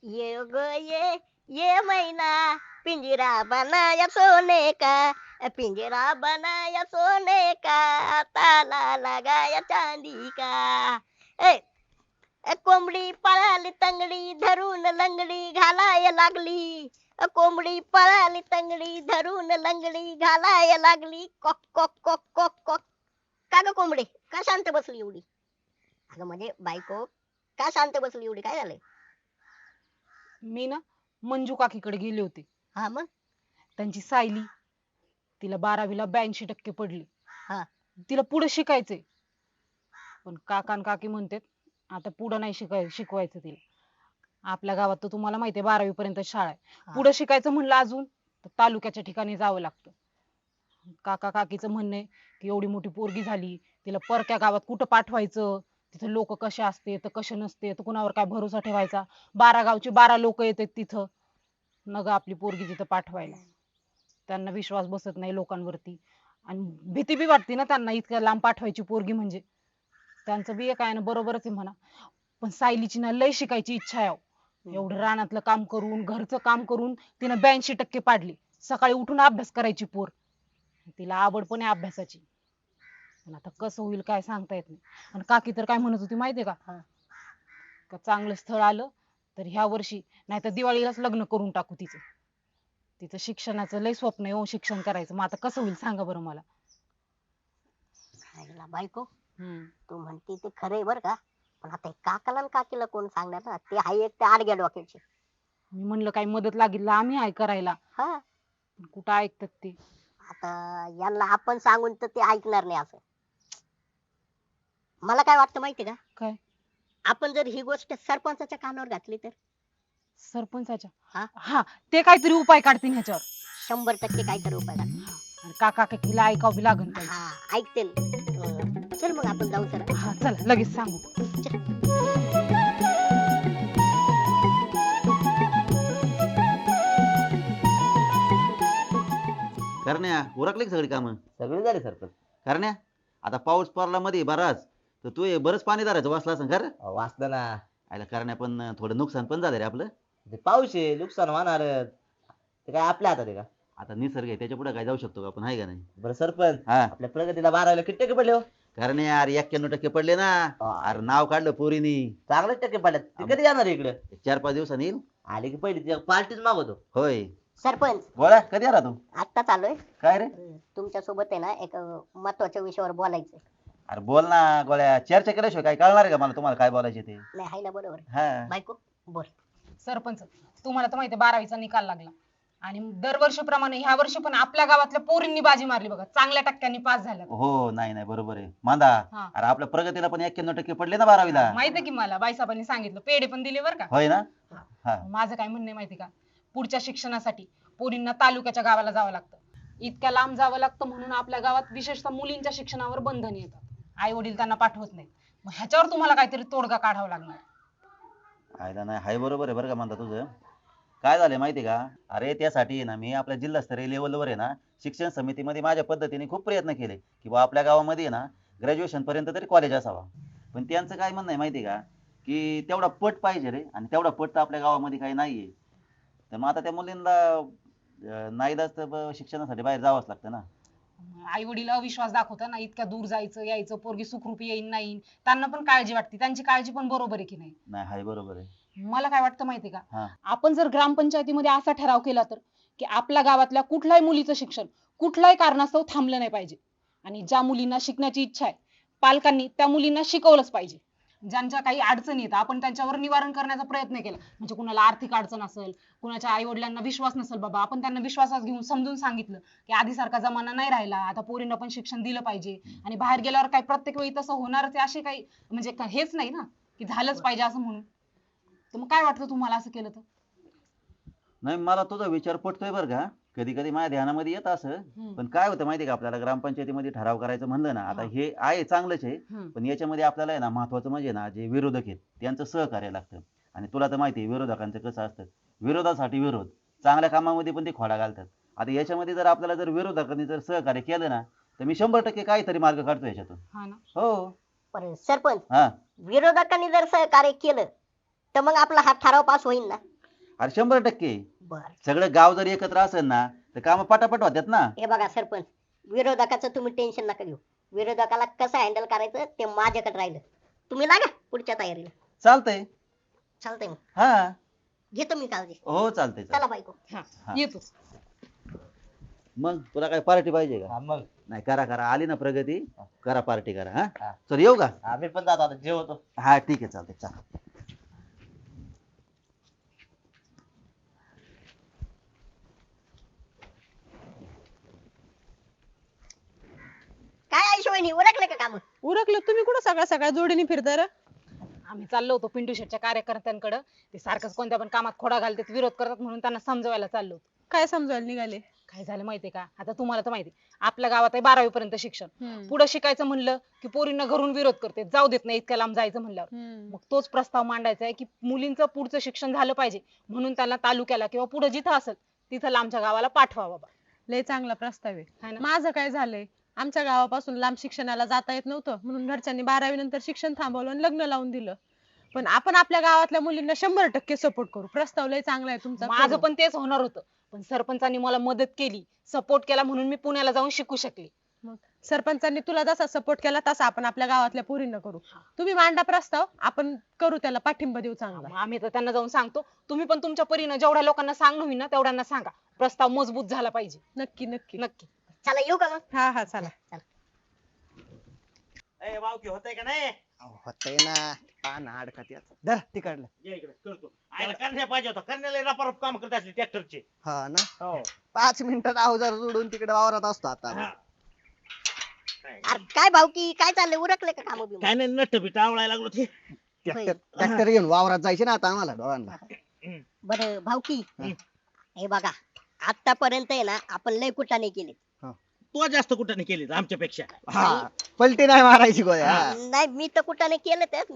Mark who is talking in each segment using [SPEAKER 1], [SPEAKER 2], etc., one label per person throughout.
[SPEAKER 1] ये गो ये मैना पिंजरा बनाया सोने का, पिंजरा बनाया सोने का, ताला लगाया चांदी का. ए, कोंबडी पळाली तंगडी धरून लंगडी घालाय लागली. कोंबडी पळाली तंगडी धरून लंगडी घालाय लागली. कॉक कॉक कॉक कॉक कॉक. का ग कोंबडी, का शांत बसली एवढी? अगं म्हणजे बायको, का शांत बसली एवढी, काय झालंय?
[SPEAKER 2] मी ना मंजू काकीकडे गेले होते.
[SPEAKER 1] हा मग.
[SPEAKER 2] त्यांची सायली, तिला 12वीला 82% पडली.
[SPEAKER 1] हा.
[SPEAKER 2] तिला पुढे शिकायचंय, पण काका आणि काकी म्हणतात आता पुढे नाही शिकवायचं तिला. आपल्या गावात तर तुम्हाला माहितीये 12वी पर्यंत शाळा आहे.
[SPEAKER 1] हा.
[SPEAKER 2] पुढे शिकायचं म्हणलं अजून तर तालुक्याच्या ठिकाणी जावं लागतं. काका काकीचं म्हणणं आहे की एवढी मोठी पोरगी झाली, तिला परक्या गावात कुठं पाठवायचं, तिथे लोक कसे असते तर कसे नसते, तर कुणावर काय भरोसा ठेवायचा. 12 गावची 12 लोक येतात तिथं, नग आपली पोरगी तिथं पाठवायला. त्यांना विश्वास बसत नाही लोकांवरती, आणि भीती बी वाटते ना त्यांना इतक्या लांब पाठवायची पोरगी म्हणजे. त्यांचं बी एक आहे ना, बरोबरच आहे म्हणा. पण सायलीची ना लय शिकायची इच्छा आहे अहो. एवढं रानातलं काम करून घरचं काम करून तिनं 82% पाडली. सकाळी उठून अभ्यास करायची पोर, तिला आवड पण आहे अभ्यासाची. पण आता कसं होईल काय सांगता येत नाही. आणि काकी तर काय म्हणत होती माहितीये का, का चांगलं स्थळ आलं तर ह्या वर्षी नाही तर दिवाळीलाच लग्न करून टाकू तिचं. तिचं शिक्षणाचं लय स्वप्न आहे हो, शिक्षण करायचं. मग आता कसं होईल सांगा बरं मला.
[SPEAKER 1] हायला बायको,
[SPEAKER 2] हम्म.
[SPEAKER 1] तू म्हणती ते खरंय बर का, पण आता हे काकाला आणि काकीला कोण सांगणार ना, ते हाय एक ते आडग्या डोक्याचे.
[SPEAKER 2] मी म्हणलं काही मदत लागेल आम्ही आहे करायला,
[SPEAKER 1] हा.
[SPEAKER 2] पण कुठं ऐकतात ते.
[SPEAKER 1] आता यांना आपण सांगून तर ते ऐकणार नाही असं. मला काय वाटतं माहितीये का,
[SPEAKER 2] काय?
[SPEAKER 1] आपण जर ही गोष्ट सरपंचाच्या कानावर घातली तर.
[SPEAKER 2] सरपंचाच्या?
[SPEAKER 1] हा.
[SPEAKER 2] हा, ते काहीतरी उपाय काढतील ह्याच्यावर.
[SPEAKER 1] 100% काहीतरी उपाय घाल.
[SPEAKER 2] आणि काका काकीला ऐकावं बी लागन पाहिजे.
[SPEAKER 1] हा ऐकतील. चल मग आपण जाऊ सर.
[SPEAKER 2] हा चला लगेच सांगू.
[SPEAKER 3] करण्या उरकले की सगळी कामं?
[SPEAKER 4] सगळे झाले सरपंच.
[SPEAKER 3] करण्या, आता पाऊस पडला मध्ये बराच, तर तू हे बरंच पाणी धरायचं वाचला असं खरं.
[SPEAKER 4] वाचलं ना.
[SPEAKER 3] आयला करण्या, पण थोडं नुकसान पण झालं रे आपलं.
[SPEAKER 4] ते पाऊस आहे, नुकसान होणार. ते काय आपल्या हातात आहे का?
[SPEAKER 3] आता निसर्ग आहे, त्याच्या पुढे काय जाऊ शकतो का आपण, आहे का नाही?
[SPEAKER 4] बरं सरपंच,
[SPEAKER 3] हा.
[SPEAKER 4] आपल्या प्रगतीला 12वीला किती टक्के पडले हो?
[SPEAKER 3] करण्या अरे 91% पडले ना. अरे नाव काढलं पोरीनी.
[SPEAKER 4] चांगलेच टक्के पडले. ते कधी जाणार इकडे?
[SPEAKER 3] 4-5 दिवसांनी येईल.
[SPEAKER 4] आले की पहिली पार्टीच मागवतो.
[SPEAKER 3] होय.
[SPEAKER 1] सरपंच,
[SPEAKER 3] बोला, कधी आला तू?
[SPEAKER 1] आता चालूय.
[SPEAKER 3] काय रे?
[SPEAKER 1] तुमच्या सोबत आहे ना एक महत्वाच्या विषयावर बोलायचं.
[SPEAKER 3] अरे बोल ना गोळ्या, चर्चा केल्याशिवाय काय कळणार आहे का मला तुम्हाला काय बोलायचे ते?
[SPEAKER 1] नाही हाय ना बरोबर.
[SPEAKER 3] हा.
[SPEAKER 1] बायको बोल.
[SPEAKER 2] सरपंच, तुम्हाला तर माहितीये 12वीचा निकाल लागला, आणि दरवर्षीप्रमाणे ह्या वर्षी पण आपल्या गावातल्या पोरींनी बाजी मारली बघा, चांगल्या टक्क्यांनी पास झाल्या.
[SPEAKER 3] हो, नाही नाही बरोबर आहे मांदा.
[SPEAKER 2] हा.
[SPEAKER 3] अरे आपल्या प्रगतीला पण 91% पडले ना 12वीला.
[SPEAKER 2] माहितीये की मला, बाईसाहेबांनी सांगितलं, पेढे पण दिले बरं का.
[SPEAKER 3] होय ना. हा.
[SPEAKER 2] माझं काय म्हणणं आहे माहिती का, पुढच्या शिक्षणासाठी पोरींना तालुक्याच्या गावाला जावं लागतं. इतक्या लांब जावं लागतं म्हणून आपल्या गावात विशेषतः मुलींच्या शिक्षणावर बंधन येतात. आई वडील त्यांना पाठवत नाही. मग ह्याच्यावर तुम्हाला काहीतरी तोडगा काढावा लागणार.
[SPEAKER 3] आयला नाही, हाय बरोबर आहे बरं का म्हणता तुझं. काय झालंय माहिती का, अरे त्यासाठी आहे ना मी आपल्या जिल्हास्तरीय लेवलवर आहे ना शिक्षण समितीमध्ये माझ्या पद्धतीने खूप प्रयत्न केले की बा आपल्या गावामध्ये ना ग्रॅज्युएशन पर्यंत तरी कॉलेज असावा. पण त्यांचं काय म्हणणं आहे माहिती का, की तेवढा पट पाहिजे रे, आणि तेवढा पट तर आपल्या गावामध्ये काही नाहीये. तर मग आता त्या मुलींना नाईलाज तर शिक्षणासाठी बाहेर जावंच लागतं ना.
[SPEAKER 2] आई वडील अविश्वास दाखवतात ना, इतक्या दूर जायचं यायचं, पोरगी सुखरूपी येईन नाही, त्यांना पण काळजी वाटते. त्यांची काळजी पण बरोबर आहे की नाही?
[SPEAKER 3] नाही, हाय बरोबर आहे.
[SPEAKER 2] मला काय वाटतं माहितीये का,
[SPEAKER 3] हा.
[SPEAKER 2] आपण जर ग्रामपंचायतीमध्ये असा ठराव केला तर, की आपल्या गावातल्या कुठल्याही मुलीचं शिक्षण कुठल्याही कारणास्तव थांबलं नाही पाहिजे, आणि ज्या मुलींना शिकण्याची इच्छा आहे पालकांनी त्या मुलींना शिकवलंच पाहिजे. ज्यांच्या काही अडचणी येतात आपण त्यांच्यावर निवारण करण्याचा प्रयत्न केला. म्हणजे कुणाला आर्थिक अडचण असेल, कुणाच्या आई वडिलांना विश्वास नसेल बाबा, आपण त्यांना विश्वासात घेऊन समजून सांगितलं की आधीसारखा जमाना नाही राहिला, आता पोरींना पण शिक्षण दिलं पाहिजे, आणि बाहेर गेल्यावर काय प्रत्येक वेळी तसं होणारच आहे अशी काही म्हणजे हेच नाही ना की झालंच पाहिजे असं म्हणून. तर मग काय वाटतं तुम्हाला असं केलं तर?
[SPEAKER 3] नाही, मला तुझा विचार पटतोय बरं का, कधी कधी माझ्या ध्यानामध्ये येत असं. पण काय होतं माहिती का, आपल्याला ग्रामपंचायतीमध्ये ठराव करायचं म्हणलं ना, आता हे आहे चांगलंच आहे, पण याच्यामध्ये आपल्याला आहे ना महत्वाचं म्हणजे ना जे विरोधक आहेत त्यांचं सहकार्य लागतं. आणि तुला तर माहिती आहे विरोधकांचं कसं असतं, विरोधासाठी विरोध, चांगल्या कामामध्ये पण ते खोडा घालतात. आता याच्यामध्ये जर आपल्याला जर विरोधकांनी जर सहकार्य केलं ना, तर मी 100% काहीतरी मार्ग काढतो याच्यातून. हो.
[SPEAKER 1] पण सरपंच,
[SPEAKER 3] हा.
[SPEAKER 1] विरोधकांनी जर सहकार्य केलं तर मग आपला हा ठराव पास होईल ना?
[SPEAKER 3] अरे 100%.
[SPEAKER 1] बर
[SPEAKER 3] सगळं गाव जर एकत्र असेल ना तर काम पटापट होतात ना.
[SPEAKER 1] हे बघा सरपंच, विरोधकाचं तुम्ही टेन्शन नका घेऊ. विरोधकाला कसं हँडल करायचं ते माझ्याकडे राहिलं. तुम्ही लागा पुढच्या तयारीला.
[SPEAKER 3] चालतंय.
[SPEAKER 1] चालतंय मग,
[SPEAKER 3] हा
[SPEAKER 1] घेतो मी काळजी.
[SPEAKER 3] हो चालतंय
[SPEAKER 1] चला
[SPEAKER 3] चालतंय.
[SPEAKER 1] बायको.
[SPEAKER 2] हा
[SPEAKER 3] हा.
[SPEAKER 2] येतो.
[SPEAKER 3] मग तुला काय पार्टी पाहिजे का?
[SPEAKER 4] हा, मग
[SPEAKER 3] नाही करा करा, आली ना प्रगती करा, पार्टी करा. हा
[SPEAKER 4] हा.
[SPEAKER 3] चल येऊ का?
[SPEAKER 4] आम्ही पण जातो आता जेवतो.
[SPEAKER 3] हा ठीक आहे चालतंय चला.
[SPEAKER 1] काय आयुष्यवाणी ओळखलं का काम?
[SPEAKER 5] उरकलं. तुम्ही कुठं सकाळ सकाळ जोडीने फिरताय रे?
[SPEAKER 2] आम्ही चाललो होतो पिंटू शेटच्या कार्यकर्त्यांकडे. ते सारखंच कोणत्या पण कामात खोडा घालतात, विरोध करतात, म्हणून त्यांना समजवायला चाललो होतो.
[SPEAKER 5] काय समजायला निघाले?
[SPEAKER 2] काय झालं माहितीये का, आता तुम्हाला तर माहिती, आपल्या गावात आहे 12वी पर्यंत शिक्षण. पुढे शिकायचं म्हणलं की पोरींना घरून विरोध करते, जाऊ देत नाही इतक्या लांब जायचं म्हणल्यावर. मग तोच प्रस्ताव मांडायचा आहे की मुलींचं पुढचं शिक्षण झालं पाहिजे, म्हणून त्यांना तालुक्याला किंवा पुढे जिथं असेल तिथं लांबच्या गावाला पाठवा बाबा.
[SPEAKER 5] लय चांगला प्रस्ताव
[SPEAKER 2] हाय
[SPEAKER 5] आहे.
[SPEAKER 2] ना?
[SPEAKER 5] माझं काय झालंय, आमच्या गावापासून लांब शिक्षणाला जाता येत नव्हतं, म्हणून घरच्यांनी 12वी नंतर शिक्षण थांबवलं आणि लग्न लावून दिलं. पण आपण आपल्या गावातल्या मुलींना 100% सपोर्ट करू. प्रस्ताव लय चांगला आहे तुमचा.
[SPEAKER 2] माझं
[SPEAKER 5] करू.
[SPEAKER 2] पण तेच होणार होतं, पण सरपंचांनी मला मदत केली, सपोर्ट केला, म्हणून मी पुण्याला जाऊन शिकू शकले.
[SPEAKER 5] मग सरपंचांनी तुला जसा सपोर्ट केला तसा आपण आपल्या गावातल्या पोरींना करू. तुम्ही मांडा प्रस्ताव, आपण करू, त्याला पाठिंबा देऊ चांगला.
[SPEAKER 2] मग आम्ही तर त्यांना जाऊन सांगतो, तुम्ही पण तुमच्या परीनं जेवढ्या लोकांना सांगणं होईल ना तेवढ्यांना सांगा, प्रस्ताव मजबूत झाला पाहिजे.
[SPEAKER 5] नक्की नक्की.
[SPEAKER 2] नक्की.
[SPEAKER 1] चला येऊ का मग?
[SPEAKER 5] हा हा चला.
[SPEAKER 6] ए भावकी होतंय का नाही?
[SPEAKER 7] होतय ना, पान अडकत यात. धर तिकडलं.
[SPEAKER 6] ये इकडे करतो. आयला करण्या पाहिजे होता, करण्याला रपारप काम करत असले ट्रॅक्टरचे.
[SPEAKER 7] हा ना,
[SPEAKER 6] हो
[SPEAKER 7] 5 मिनिटात अवजार जोडून तिकडे वावरात असतो आता.
[SPEAKER 6] हा.
[SPEAKER 1] अरे काय भाऊकी, काय चाललंय? उरकले का काम बिम?
[SPEAKER 6] काय नाही नट बीट आवळायला लागलो ते.
[SPEAKER 7] ट्रॅक्टर घेऊन वावरात जायचे ना आता आम्हाला दोघांना.
[SPEAKER 1] बरं भाऊकी,
[SPEAKER 6] हम्म.
[SPEAKER 1] हे बघा, आतापर्यंत आहे ना आपण लय कुटाने केले.
[SPEAKER 6] तो जास्त कुठं केली आमच्यापेक्षा.
[SPEAKER 7] हा, पलटी नाही मारायची गोळ्या. हा.
[SPEAKER 1] नाही मी तर कुटाने केलं तर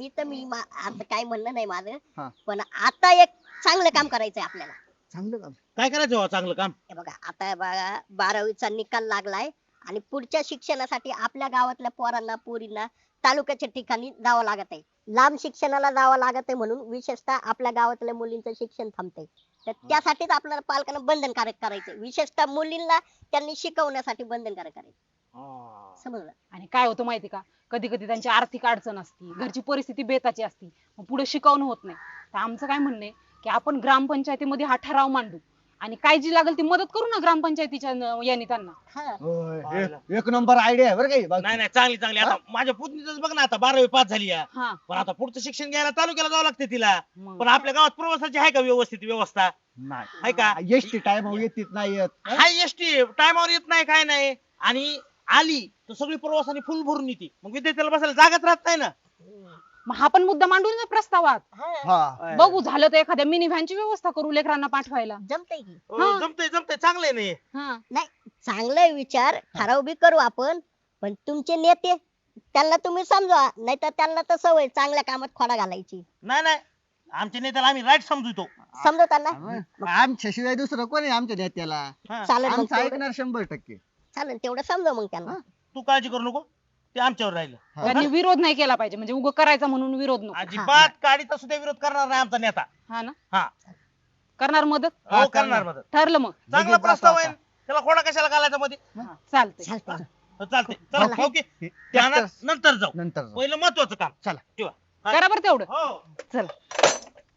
[SPEAKER 1] आता काय म्हणणं नाही माझं,
[SPEAKER 7] हा.
[SPEAKER 1] पण आता एक चांगलं काम करायचंय आपल्याला.
[SPEAKER 7] चांगलं काम.
[SPEAKER 6] काय करायचं हो चांगलं काम?
[SPEAKER 1] हे बघा, आता बघा 12वीचा निकाल लागलाय आणि पुढच्या शिक्षणासाठी आपल्या गावातल्या पोरांना पोरींना तालुक्याच्या ठिकाणी जावं लागत आहे. लांब शिक्षणाला जावं लागत आहे, म्हणून विशेषतः आपल्या गावातल्या मुलींचं शिक्षण थांबतंय. तर त्यासाठीच आपल्याला पालकांना बंधनकारक करायचं, विशेषतः मुलींना त्यांनी शिकवण्यासाठी बंधनकारक करायचं. समजलं?
[SPEAKER 2] आणि काय होतं माहिती का, कधी कधी त्यांची आर्थिक अडचण असती, घरची परिस्थिती बेताची असती, मग पुढे शिकवणं होत नाही. तर आमचं काय म्हणणं आहे की आपण ग्रामपंचायतीमध्ये हा ठराव मांडू आणि काय जी लागेल ती मदत करू ना ग्रामपंचायतीच्या याने त्यांना.
[SPEAKER 1] हा.
[SPEAKER 7] होय, एक नंबर आयडिया आहे बरं काही.
[SPEAKER 6] नाही नाही चांगली चांगली. आता माझ्या पुतणीच बघ ना, आता 12वी पास झाली आहे.
[SPEAKER 2] हा
[SPEAKER 6] पण आता पुढचं शिक्षण घ्यायला तालुक्याला जावं लागते तिला.
[SPEAKER 2] मग.
[SPEAKER 6] पण आपल्या गावात प्रवासाची आहे का व्यवस्थित व्यवस्था?
[SPEAKER 7] नाही,
[SPEAKER 6] आहे का?
[SPEAKER 7] एसटी टाइम येत नाही येत.
[SPEAKER 6] हाय एसटी टायमावर येत नाही, काय नाही. आणि आली तर सगळी प्रवासाने फुल भरून येते, मग विद्यार्थ्याला बसायला जागाच राहत नाही ना.
[SPEAKER 2] मग हा पण मुद्दा मांडू ना प्रस्तावात.
[SPEAKER 1] हा.
[SPEAKER 7] हा,
[SPEAKER 2] बघू झालं तर एखाद्या मिनी व्हॅनची व्यवस्था करू लेकरांना पाठवायला.
[SPEAKER 1] जमतंय की?
[SPEAKER 2] हा.
[SPEAKER 6] जमतंय जमतंय, चांगलंय नाही.
[SPEAKER 2] हा
[SPEAKER 1] नाही, चांगला विचार, ठराव बी करू आपण, पण तुमचे नेते त्यांना तुम्ही समजवा, नाहीतर त्यांना तर सवय चांगल्या कामात खोडा घालायची.
[SPEAKER 6] नाही नाही, आमच्या नेत्याला आम्ही राईट समजतो.
[SPEAKER 1] समजवताना
[SPEAKER 7] आमच्या शिवाय दुसरं कोणी आमच्या नेत्याला.
[SPEAKER 6] हा.
[SPEAKER 1] चालेल मग
[SPEAKER 7] आमचं
[SPEAKER 1] तेवढं-
[SPEAKER 7] ऐकणार 100%.
[SPEAKER 1] चालेल तेवढं समजव मग त्यांना.
[SPEAKER 6] तू काळजी करू नको, ते आमच्यावर राहिलं.
[SPEAKER 2] त्यांनी विरोध नाही केला पाहिजे, म्हणजे उगं करायचा म्हणून विरोध नको.
[SPEAKER 6] अजिबात काडीचा सुद्धा विरोध करणार नाही आमचा नेता.
[SPEAKER 2] हा ना,
[SPEAKER 6] हा
[SPEAKER 2] करणार मदत.
[SPEAKER 6] हो करणार मदत.
[SPEAKER 2] ठरलं मग.
[SPEAKER 6] चांगला
[SPEAKER 7] लगेच
[SPEAKER 6] प्रस्ताव
[SPEAKER 7] जातो
[SPEAKER 6] आहे, त्याला खोडा कशाला घालायचा मध्ये?
[SPEAKER 2] चालतंय.
[SPEAKER 1] चालतंय.
[SPEAKER 6] चालते चला
[SPEAKER 1] चला.
[SPEAKER 6] ओके, ध्यानात नंतर जाऊ.
[SPEAKER 7] नंतर जाऊ.
[SPEAKER 6] पहिलं महत्वाचं काम
[SPEAKER 7] चला.
[SPEAKER 6] ठेवा.
[SPEAKER 2] करा बरं तेवढं.
[SPEAKER 6] हो
[SPEAKER 2] चला.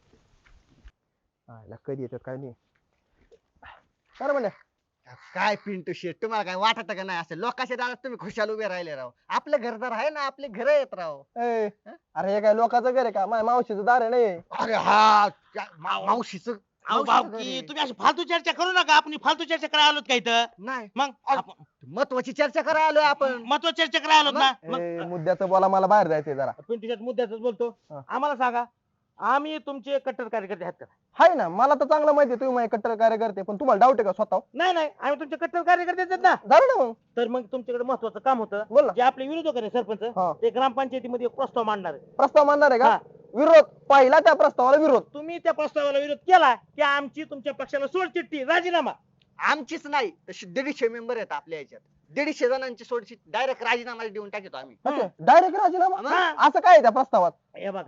[SPEAKER 7] कधी येतात काय नाही. काय म्हणलं, काय पिंटू शेट, तुम्हाला काय वाटत का नाही, असं लोकांच्या दारात तुम्ही खुशाल उभे राहिले राव. आपलं घरदार आहे ना, आपले घर आहेत राव.
[SPEAKER 8] अरे हे काय लोकांचं घर आहे का? माझ्या मावशीचं दार आहे नाही.
[SPEAKER 7] अरे हा, मावशीच
[SPEAKER 6] अहो भाऊकी, तुम्ही अशी फालतू चर्चा करू नका. आपण फालतू चर्चा करायला आलोत का इथं?
[SPEAKER 7] नाही,
[SPEAKER 6] मग आपण
[SPEAKER 7] महत्वाची चर्चा करायला आलोय आपण.
[SPEAKER 6] महत्वाची चर्चा करायला आलोत ना.
[SPEAKER 8] ए,
[SPEAKER 6] मग
[SPEAKER 8] मुद्द्याचं बोला, मला बाहेर जायचंय जरा.
[SPEAKER 6] पिंटूच्याच मुद्द्याच बोलतो.
[SPEAKER 8] हा.
[SPEAKER 6] आम्हाला सांगा, आम्ही तुमचे कट्टर कार्यकर्ते आहेत का?
[SPEAKER 8] हाय ना, मला तर चांगलं माहिती आहे तुम्ही माझे कट्टर कार्यकर्ते, पण तुम्हाला डाऊट आहे का स्वतः?
[SPEAKER 6] नाही नाही, आम्ही तुमचे कट्टर कार्यकर्ते आहेत ना.
[SPEAKER 8] झालं ना मग,
[SPEAKER 6] तर मग तुमच्याकडे महत्वाचं काम होतं.
[SPEAKER 8] बोल ना.
[SPEAKER 6] जे आपले विरोधक आहे सरपंच,
[SPEAKER 8] हा.
[SPEAKER 6] ते ग्रामपंचायतीमध्ये एक प्रस्ताव मांडणार आहे.
[SPEAKER 8] प्रस्ताव मानणार आहे
[SPEAKER 6] हा.
[SPEAKER 8] का? विरोध पहिला, त्या प्रस्तावाला विरोध.
[SPEAKER 6] तुम्ही त्या प्रस्तावाला विरोध केला की आमची तुमच्या पक्षाला सोडचिठ्ठी, राजीनामा.
[SPEAKER 7] आमचीच नाही, तशी 150 मेंबर आहेत आपल्या याच्यात. 150 जणांची सोडशी डायरेक्ट राजीनामा देऊन टाकतो आम्ही.
[SPEAKER 8] डायरेक्ट राजीनामा?
[SPEAKER 6] हा.
[SPEAKER 8] असं काय आहे त्या प्रस्तावात?
[SPEAKER 6] हे बघा,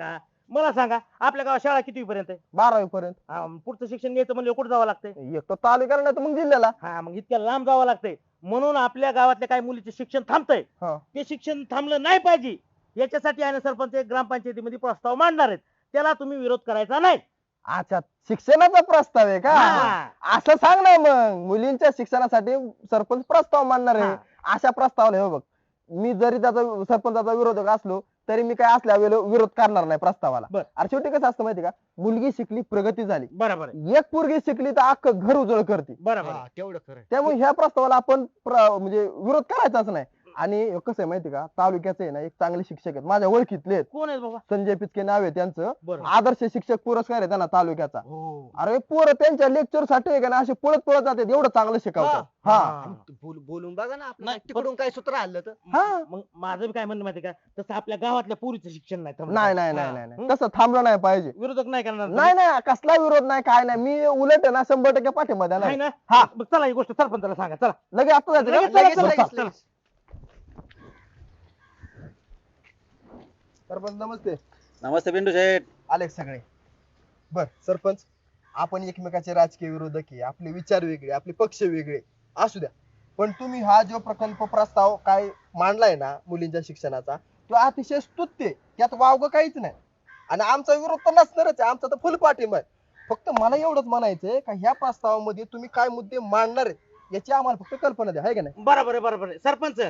[SPEAKER 6] मला सांगा आपल्या गावात शाळा किती पर्यंत आहे?
[SPEAKER 8] 12वी पर्यंत.
[SPEAKER 6] पुढचं शिक्षण घ्यायचं म्हणजे कुठं जावं लागतंय?
[SPEAKER 8] एक तर तालुक्याला नाही तर मग जिल्ह्याला.
[SPEAKER 6] हा मग इतक्या लांब जावं लागतंय. म्हणून आपल्या गावातल्या काही मुलीचे शिक्षण थांबतंय.
[SPEAKER 8] हा.
[SPEAKER 6] ते शिक्षण थांबलं नाही पाहिजे याच्यासाठी आहे ना सरपंच एक ग्रामपंचायतीमध्ये प्रस्ताव मांडणार आहेत. त्याला तुम्ही विरोध करायचा नाही.
[SPEAKER 8] अच्छा, शिक्षणाचा प्रस्ताव आहे का?
[SPEAKER 6] हा.
[SPEAKER 8] असं सांग ना मग, मुलींच्या शिक्षणासाठी सरपंच प्रस्ताव मांडणार आहे.
[SPEAKER 6] हा.
[SPEAKER 8] अशा प्रस्तावाला हे बघ, मी जरी त्याचा सरपंचाचा विरोधक असलो तरी मी काय असल्या विरोध करणार नाही प्रस्तावाला.
[SPEAKER 6] बर.
[SPEAKER 8] अरे शेवटी कसं असतं माहिती का, मुलगी शिकली प्रगती झाली,
[SPEAKER 6] बरोबर आहे.
[SPEAKER 8] एक पोरगी शिकली तर अख्खं घर उजळ करते.
[SPEAKER 6] बरोबर आहे.
[SPEAKER 7] हा, तेवढं खरं.
[SPEAKER 8] त्यामुळे ह्या प्रस्तावाला आपण म्हणजे विरोध करायचाच नाही. आणि कसं आहे माहिती का, तालुक्याचे आहे ना एक चांगले शिक्षक आहेत माझ्या ओळखीतले आहेत.
[SPEAKER 6] कोण आहे बाबा?
[SPEAKER 8] संजय पिचके नाव आहे त्यांचं.
[SPEAKER 6] बरं.
[SPEAKER 8] आदर्श शिक्षक पुरस्कार आहे त्यांना तालुक्याचा.
[SPEAKER 6] हो.
[SPEAKER 8] अरे पोरं त्यांच्या लेक्चर साठी आहे का ना असे पळत पळत जातात, एवढं चांगलं शिकवतात.
[SPEAKER 6] हा.
[SPEAKER 8] हा
[SPEAKER 7] बोलून बघा ना आपलं
[SPEAKER 6] नाही,
[SPEAKER 7] तिकडून काय सूत्र आलं तर.
[SPEAKER 8] हा.
[SPEAKER 6] मग माझं बी काय म्हणणं माहिती का, तसं आपल्या गावातल्या पोरीचं शिक्षण नाही थांबलं
[SPEAKER 8] नाही
[SPEAKER 6] पाहिजे.
[SPEAKER 8] नाही
[SPEAKER 6] हा.
[SPEAKER 8] नाही नाही
[SPEAKER 6] हं?
[SPEAKER 8] तसं थांबलं नाही पाहिजे.
[SPEAKER 6] विरोधक नाही करणार तुम्ही?
[SPEAKER 8] नाही नाही कसला विरोध नाही काय नाही, मी उलट आहे ना 100% पाठिंबा
[SPEAKER 6] आहे
[SPEAKER 8] देणार.
[SPEAKER 6] ना?
[SPEAKER 8] हा.
[SPEAKER 6] मग चला ही गोष्ट सरपंचाला सांगा. चला
[SPEAKER 8] लगेच आता जायचं
[SPEAKER 6] लगेच,
[SPEAKER 8] का?
[SPEAKER 6] लगेच,
[SPEAKER 8] बरं,
[SPEAKER 6] लगेच,
[SPEAKER 8] चला.
[SPEAKER 6] लगेच.
[SPEAKER 8] सरपंच नमस्ते.
[SPEAKER 3] नमस्ते पिंटू शेठ.
[SPEAKER 8] आले सगळे. बर सरपंच, आपण एकमेकाचे राजकीय विरोधक आहे, आपले विचार वेगळे, आपले पक्ष वेगळे असू द्या, पण तुम्ही हा जो प्रकल्प प्रस्ताव काय मांडलाय ना मुलींच्या शिक्षणाचा, तो अतिशय स्तुत्य आहे. त्यात वावग काहीच नाही. आणि आमचा विरोध तर नसणारच आहे, आमचा तर फुल पाठिंबा आहे. फक्त मला एवढंच म्हणायचंय का ह्या प्रस्तावामध्ये तुम्ही काय मुद्दे मांडणार आहेत याची आम्हाला फक्त कल्पना द्या, आहे का नाही?
[SPEAKER 6] बरोबर आहे, बरोबर आहे. सरपंच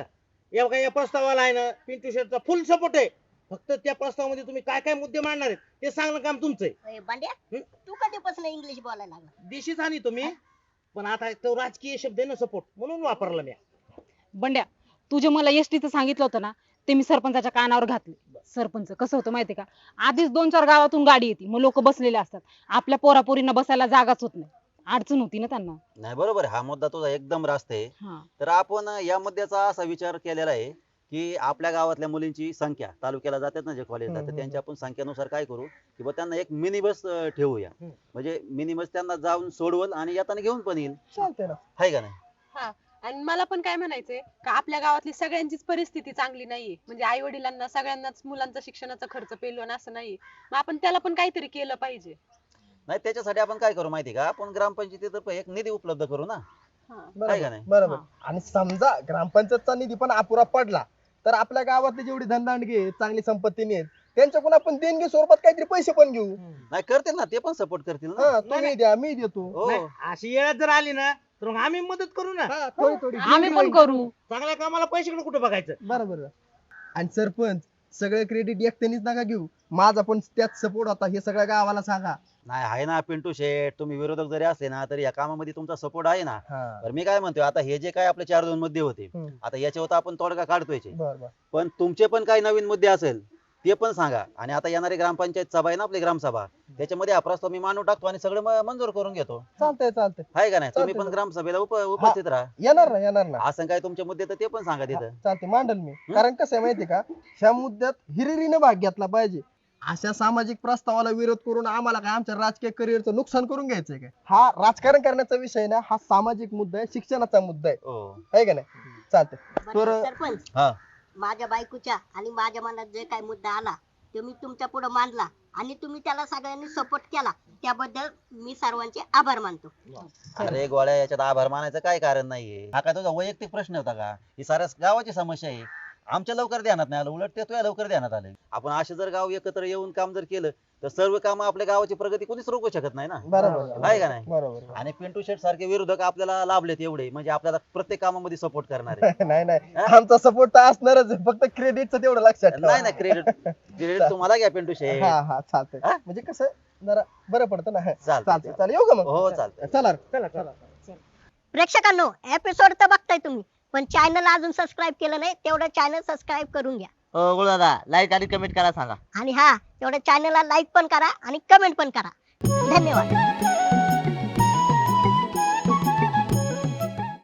[SPEAKER 6] या प्रस्तावाला आहे ना पिंटू शेठचा फुल सपोर्ट आहे. फक्त त्या प्रस्तावामध्ये तुम्ही काय काय मुद्दे मांडणार आहेत ते सांगणं काम तुमचं आहे.
[SPEAKER 1] बांड्या
[SPEAKER 6] हं?
[SPEAKER 1] तू कधीपासून इंग्लिश बोलायला लागला?
[SPEAKER 6] दिशीच आणि तुम्ही पण आता तो राजकीय शब्द आहे ना सपोर्ट म्हणून वापरला मी.
[SPEAKER 2] बंड्या, तू जे मला एसटीचं सांगितलं होतं ना ते मी सरपंचाच्या कानावर घातले. सरपंच कसं होतं माहितीये का, आधीच 2-4 गावातून गाडी येते, मग लोक बसलेले असतात, आपल्या पोरापोरींना बसायला जागाच होत नाही, अडचण होती ना त्यांना.
[SPEAKER 3] नाही बरोबर आहे, हा मुद्दा तुझा एकदम रास्त आहे.
[SPEAKER 2] हा.
[SPEAKER 3] तर आपण या मुद्द्याचा असा विचार केलेला आहे की आपल्या गावातल्या मुलींची संख्या तालुक्याला जातात ना जे कॉलेजला, तर त्यांची आपण संख्येनुसार काय करू की बा त्यांना एक मिनी बस ठेवूया. म्हणजे मिनी बस त्यांना जाऊन सोडवल आणि येताना घेऊन पण येईल.
[SPEAKER 8] चालतंय ना.
[SPEAKER 3] आहे का नाही?
[SPEAKER 5] हा. आणि मला पण काय म्हणायचंय का आपल्या गावातली सगळ्यांचीच परिस्थिती चांगली नाहीये, म्हणजे आई वडिलांना सगळ्यांनाच मुलांचा शिक्षणाचा खर्च पेलवण असं नाहीये. मग आपण त्याला पण काहीतरी केलं पाहिजे.
[SPEAKER 3] नाही त्याच्यासाठी आपण काय करू माहिती का, आपण ग्रामपंचायतीतर्फे एक निधी उपलब्ध करू ना.
[SPEAKER 5] हा.
[SPEAKER 3] आहे का नाही?
[SPEAKER 8] बरोबर. आणि समजा ग्रामपंचायतचा निधी पण अपुरा पडला तर आपल्या गावातले जेवढे धनदांडगे आहेत, चांगली संपत्ती आहेत, त्यांच्याकडून आपण देणगी स्वरूपात काहीतरी पैसे पण घेऊ.
[SPEAKER 3] नाही करतील ना, ते पण सपोर्ट करतील ना.
[SPEAKER 8] हा, तुम्ही द्या मी देतो.
[SPEAKER 3] हो.
[SPEAKER 6] नाही, अशी वेळ जर आली ना तर मग आम्ही मदत करू ना.
[SPEAKER 8] हा, थोडी थोडी
[SPEAKER 2] आम्ही पण करू.
[SPEAKER 6] चांगल्या कामाला पैशाकडे कुठे बघायचं.
[SPEAKER 8] बरोबर. आणि सरपंच सगळे क्रेडिट एकट्यानेच नका घेऊ, माझा पण त्यात सपोर्ट होता हे सगळ्या गावाला सांगा.
[SPEAKER 3] नाही आहे ना पिंटू शेठ, तुम्ही विरोधक जरी असले ना तरी या कामामध्ये तुमचा सपोर्ट आहे ना.
[SPEAKER 8] हा.
[SPEAKER 3] तर मी काय म्हणतोय, आता हे जे काय आपले 4-2 मुद्दे होते,
[SPEAKER 8] हम्म.
[SPEAKER 3] आता याच्यावर तर आपण तोडगा काढतोय.
[SPEAKER 8] बर बर.
[SPEAKER 3] पण तुमचे पण काही नवीन मुद्दे असेल ते पण सांगा. आणि आता येणारी ग्रामपंचायत सभा आहे ना आपली ग्रामसभा, त्याच्यामध्ये हा प्रस्ताव मी मांडून टाकतो आणि सगळं मंजूर करून घेतो.
[SPEAKER 8] चालतंय चालतंय.
[SPEAKER 3] आहे का नाही? तुम्ही
[SPEAKER 8] चालतंय.
[SPEAKER 3] पण ग्रामसभेला उपस्थित राहा.
[SPEAKER 8] येणार ना येणार ना.
[SPEAKER 3] असं काय तुमचे मुद्दे तर ते पण सांगा तिथं.
[SPEAKER 8] चालते मांडल मी. कारण कसं आहे माहिती का, ह्या मुद्द्यात हिरिरीने भाग घेतला पाहिजे. अशा सामाजिक प्रस्तावाला विरोध करून आम्हाला काय आमच्या राजकीय करिअरचं नुकसान करून घ्यायचंय काय? हा राजकारण करण्याचा विषय ना, हा सामाजिक मुद्दा आहे, शिक्षणाचा मुद्दा आहे.
[SPEAKER 3] हो.
[SPEAKER 8] आहे का नाही? चालतंय.
[SPEAKER 1] बरं,
[SPEAKER 8] तर
[SPEAKER 1] सरपंच
[SPEAKER 3] हा.
[SPEAKER 1] माझ्या बायकोच्या आणि माझ्या मनात जे काही मुद्दा आला तो मी तुमच्या पुढे मांडला आणि तुम्ही त्याला सगळ्यांनी सपोर्ट केला, त्याबद्दल मी सर्वांचे आभार मानतो.
[SPEAKER 3] अरे गोळ्या, याच्यात आभार मानायचं काय कारण नाहीये. हा काय तुझा वैयक्तिक प्रश्न होता का? ही साऱ्या गावाची समस्या आहे. आमच्या लवकर ध्यानात नाही आलं, उलट ते तुझ्या लवकर ध्यानात आले. आपण असे जर गाव एकत्र येऊन काम जर केलं तर सर्व काम आपल्या गावाची प्रगती कोणीच रोखू शकत नाही ना.
[SPEAKER 8] बरोबर
[SPEAKER 3] आहे का नाही?
[SPEAKER 8] बरोबर.
[SPEAKER 3] आणि पिंटू शेठ सारखे विरोधक आपल्याला लाभलेत एवढे, म्हणजे आपल्याला प्रत्येक कामामध्ये सपोर्ट करणारे.
[SPEAKER 8] नाही नाही, आमचा सपोर्ट तर असणारच आहे, फक्त क्रेडिटचं तेवढं लक्षात ठेवा.
[SPEAKER 3] नाही ना, क्रेडिट तुम्हाला घ्या पिंटू शेठ.
[SPEAKER 8] हा हा चालतंय.
[SPEAKER 3] हा?
[SPEAKER 8] म्हणजे कसं जरा बरं पडतं ना.
[SPEAKER 3] चालतंय.
[SPEAKER 8] चालतंय चालेल, येऊ का मग?
[SPEAKER 3] हो चालतंय.
[SPEAKER 8] चला.
[SPEAKER 6] चला चला.
[SPEAKER 1] प्रेक्षकांनो, एपिसोड तर बघताय तुम्ही, पण चॅनल अजून सबस्क्राईब केलं नाही तेवढं चॅनल सबस्क्राईब करून घ्या.
[SPEAKER 4] गुरु दादा लाईक आणि कमेंट करा सांगा.
[SPEAKER 1] आणि हा तेवढं चॅनलला लाईक पण करा आणि कमेंट पण करा. धन्यवाद.